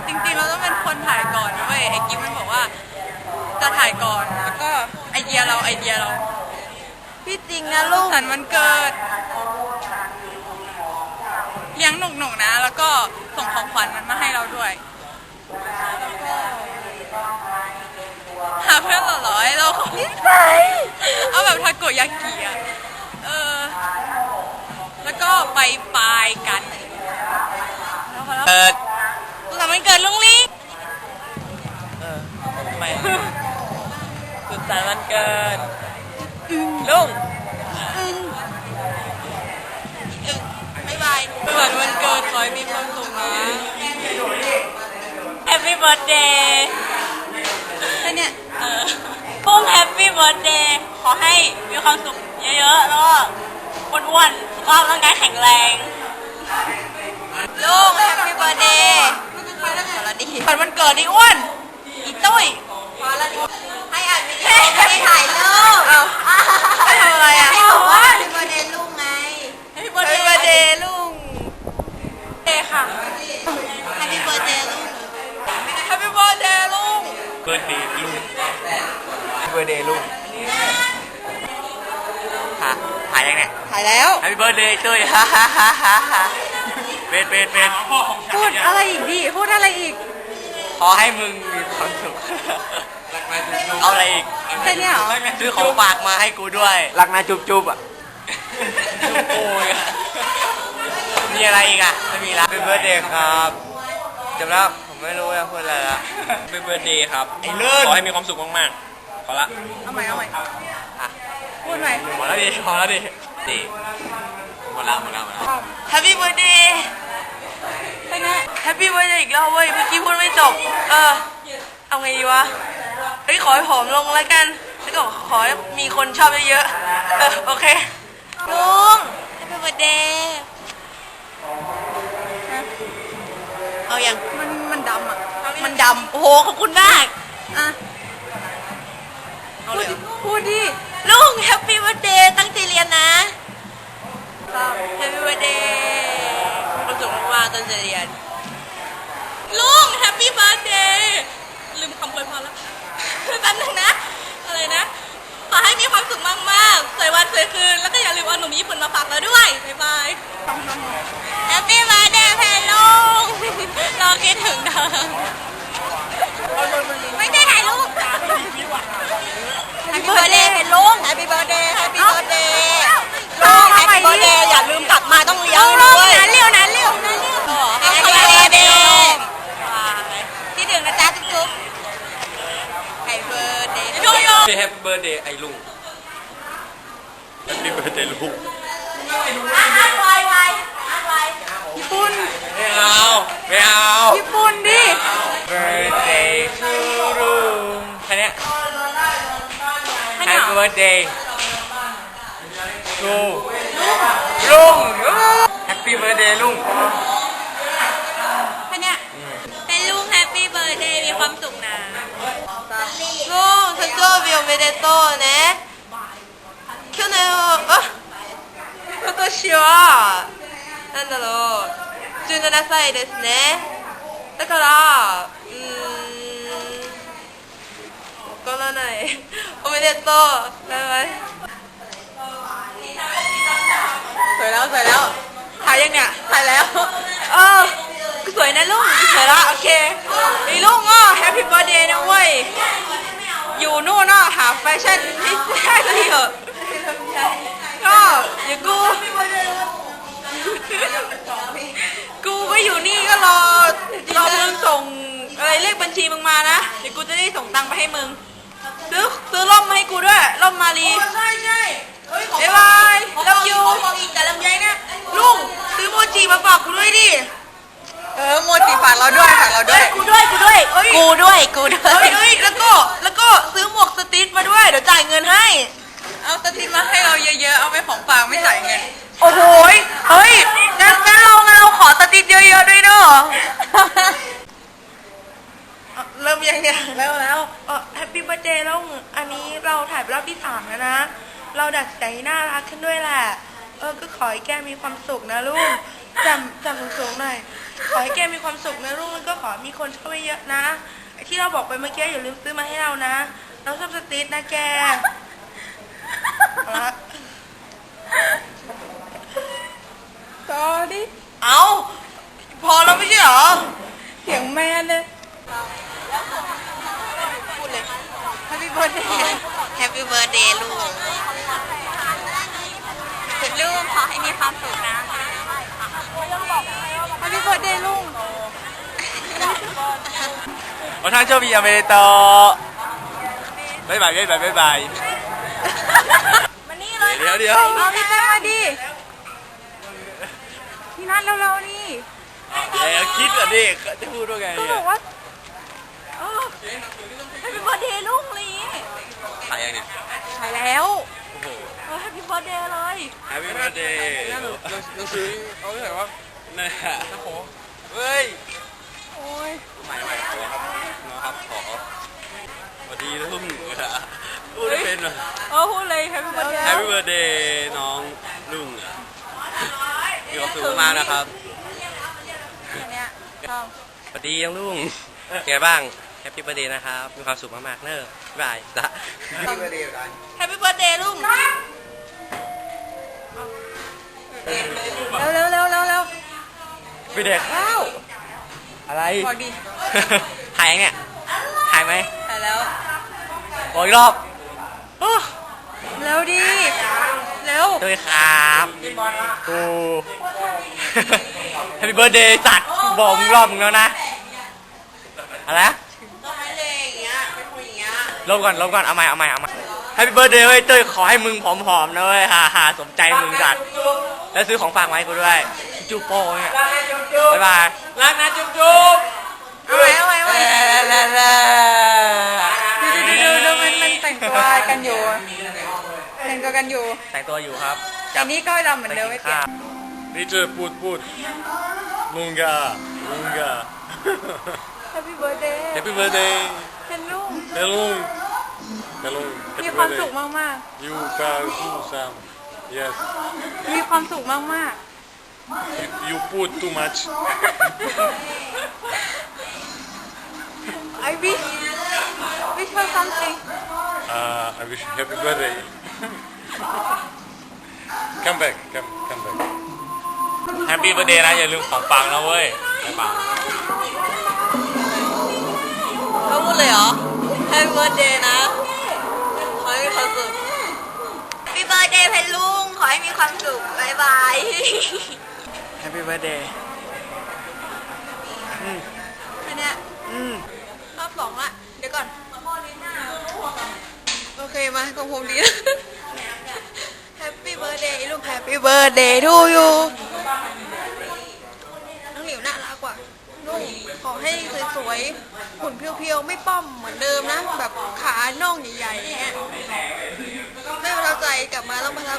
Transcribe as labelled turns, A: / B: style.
A: จริงๆเราต้องเป็นคนถ่ายก่อนเว้ยไอ้กิ๊ฟมันบอกว่าจะถ่ายก่อนแล้วก็ไอเดียเรา
B: พี่จริงนะลูก
A: สันวันเกิดเลี้ยงหนุกๆนะแล้วก็ส่งของขวัญมันมาให้เราด้วยหาเพื่อนหล่อๆให้เราคนนี้เอาแบบทาโกยากิอ่ะแล้วก็ไปปลายกัน
C: เปิด
A: สุขสันต์วันเกิดลุงลี่
C: ทำไมสุขสันต์วันเกิดลุง
A: บ๊ายบายสุขสันต์วันเกิดขอให้มีความสุขนะ
B: Happy birthday
A: แค่เนี้ย
B: ปุ้ง Happy birthday ขอให้มีความสุขเยอะๆแล้วก็อ้วนๆสุขภาพร่างกายแข็งแรง
A: ลุง Happy birthday พอแล้วดิฝันวันเกิดดิอ้วนอีตุ้ยพอแล้วดิให้อ่านวิดีโอไม่ได้ถ่ายรูปให้ทำอะไรอ่ะให้บอกว่า Happy birthday ลุงไง Happy birthday ลุงเดค่ะ Happy birthday ลุง Happy birthday ลุง
C: เบิร์ดเดย์ลุงเบิร์ดเดย์ลุงถ่ายยังเนี่ย
A: ถ่ายแล้ว
C: Happy birthday ตุ้ยฮ่าฮ่าฮ่าฮ่าฮ่าเป็น
A: พูดอะไรอีกดิพูดอะไรอีก
C: ขอให้มึงมีความสุขเอาอะไรอีก
A: แค่นี้เหรอ
C: ซื้อของฝากมาให้กูด้วยรักนะจุ๊บอ่ะโอ้ยมีอะไรอีกอ่ะไม่มีละเป็นเบิร์ดเดย์ครับจำแล้วผมไม่รู้จะพูดอะไรละเป็นเบิร์ดเดย์ครับขอให้มีความสุขมากๆขอละ
A: เอาใหม่พูดใหม่
C: พอแล้วดิดีหมดแล้ว
A: Happy birthday แค่นี้ Happy birthday อีกรอบเว้ยเมื่อกี้พูดไม่จบเอาไงดีวะขอให้ผอมลงแล้วกันแล้วก็ขอให้มีคนชอบเยอะๆโอเคลุง Happy birthday เอาอย่างมันดำอ่ะมันดำโอ้โหขอบคุณมากพูดดิลุง Happy birthday ตั้งใจเรียนนะ Happy birthday ความสุขมากๆตั้งใจเรียนลุง Happy birthday ลืมคำอวยพรแล้วแป๊บนึงนะอะไรนะขอให้มีความสุขมากๆสวยวันสวยคืนแล้วก็อย่าลืมเอาหนุ่มญี่ปุ่นมาฝากเราด้วยบ๊ายบาย Happy birthday แพนลุงเราคิดถึงเธอไม่ได้ถ่ายรูป Happy birthday แพนลุง Happy birthday Happy birthday ลุง Happy birthday อย่าลืมกลับมาต้องเลี้ยงด้วยนั้นเร็วHappy birthday ที่หนึ่งนะจ๊ะจุ๊บHappy birthday
C: แฮปปี้เบิร์ดเดย์ไอ้ลุงแฮปปี้เบิร์ดเดย์ลุง
A: ญี่ปุ่น
C: ไม่เอา
A: ญี่ปุ่นดิ
C: birthday to ลุงแค่นี้Happy birthday to ลุง Happy birthday ลุง
A: แค่นี้เป็นลุง Happy birthday มีความสุขนะลุง誕生日おめでとうね去年今年はなんだろう17歳ですねだからわからないおめでとうバイバイสวยแล้วถ่ายยังเนี่ยถ่ายแล้วสวยนะลุงสวยละโอเคไอ้ลุงแฮปปี้เบิร์ธเดย์นะเว้ยอยู่นู่นหาแฟชั่นที่ได้เลยเหรอก็เดี๋ยวกูก็อยู่นี่ก็รอมึงส่งอะไรเลขบัญชีมึงมานะเดี๋ยวกูจะได้ส่งตังค์ไปให้มึงซื้อร่มมาให้กูด้วยร่มมาลีใช่บ๊ายบายรักยูแต่ลำไยนะลุงซื้อโมจิมาฝากกูด้วยดิโมจิฝากเราด้วยกูด้วยแล้วก็ซื้อหมวกสติ๊ดมาด้วยเดี๋ยวจ่ายเงินให้เอาสติ๊ดมาให้เราเยอะๆเอาไปของฝากไม่จ่ายเงินโอ้โหเฮ้ยงั้นเราขอสติ๊ดเยอะๆด้วยเนาะเริ่มยังเนี่ยแล้วแฮปปี้เบิร์ธเดย์แล้วอันนี้เราถ่ายรอบที่3แล้วนะเราดัดใจน่ารักขึ้นด้วยแหละก็ขอให้แกมีความสุขนะลูกจำสูงๆหน่อย ขอให้แกมีความสุขนะลูกแล้วก็ขอมีคนช่วยเยอะนะไอ้ที่เราบอกไปเมื่อกี้อย่าลืมซื้อมาให้เรานะเราชอบสติ๊ดนะแกเอาละต่อดิเอาพอแล้วไม่ใช่เหรอเสียงแม่เลยพูดเลย Happy birthday
B: Happy birthday ลูกลูกขอให้มีความสุขนะ
A: Happy birthday ลุง
C: โอ้ท่านโชคดีอเมริโตบ๊ายบายบ๊ายบายบ๊ายบาย
A: มานี่เลย
C: เดี๋ยว
A: เอาพี่แป้งมาดิพี่นัทเร็วๆนี่
C: เดี๋ยวคิดก่อนดิจะพูดว่าไง
A: ก็
C: เนี่
A: บ
C: ย
A: อกว่าHappy birthday ลุงลี
C: ถ่ายยังเนี่ย
A: ถ่ายแล้ว
C: โอ้โห
A: Happy birthday เลย
C: Happy birthday หนังสือเอาที่ไหนวะนี่นแหละนะโหเฮ้ย
A: โอ้ย
C: ใหม่ขอครับนะครับขอสวัสดีลุงพูดไม่เป็นว่ะ
A: พูดเลย Happy birthday
C: Happy birthday น้องลุงมีความสุขมากๆนะครับ
A: เนี่ยชอบ
C: สวัสดีน้องลุงเป็นไงบ้าง Happy birthday นะครับมีความสุขมากๆเนอะบ๊ายบายจ้ะ Happy birthday กัน
A: Happy birthday ลุงเร็ว
C: พี่เด็กข้าวอะไร
A: บอกดิ
C: ถ่ายยังเนี่ยถ่ายไหม
A: ถ่ายแล้ว
C: บอกอีกรอบอ้อ
A: เร็วดิเร็ว
C: ด้วยครับกู Happy birthday สัตว์บอกมึงรอบมึงแล้วนะอะไรนะ
A: ต้องไม่เลยอย่างเงี้ยเป็นคนอย่างเงี้ย
C: ลบก่อนเอาใหม่ Happy birthday เว้ยเต้ยขอให้มึงผอมๆนะเว้ยฮ่าสมใจมึงสัตว์แล้วซื้อของฝากมาให้กูด้วยจูโป้เนี่ยบ๊ายบายรักนะจุ๊บ
A: เอาไว้ดูมันแต่งตัวกันอยู่แต่งตัวกันอยู่
C: แต่งตัวอยู่ครับ
A: อันนี้ก็ดำเหมือนเดิมไม่เปลี่ยน
D: นี่เจอพูดลุงกา
A: Happy birthday
D: Happy birthday
A: เป็นลุง
D: เฮลุง
A: มีความสุขมาก
D: ยูกาคูซัม yes
A: ๆมีความสุขมาก
D: you put too much
A: ๆ I wish her something
D: I wish you happy birthday come back
C: Happy birthday นะอย่าลืมของฝากนะเว้ยบ๊ายบาย
A: เขาพูดเลยเหรอ Happy birthday นะขอให้มีความสุข
B: Happy birthday เพนลุงขอให้มีความสุขบ๊ายบาย
C: Happy birthday
A: แค่เนี้ยรอบสองละเดี๋ยวก่อนโอเคมาของผมดี Happy birthday ลูก Happy birthday to you น้องหลิวน่ารักกว่านุ่งขอให้สวยๆหุ่นเพียวๆไม่ป้อมเหมือนเดิมนะ แบบขาน่องใหญ่ๆอย่างเงี้ยไม่ประทับใจกลับมาต้องประทับ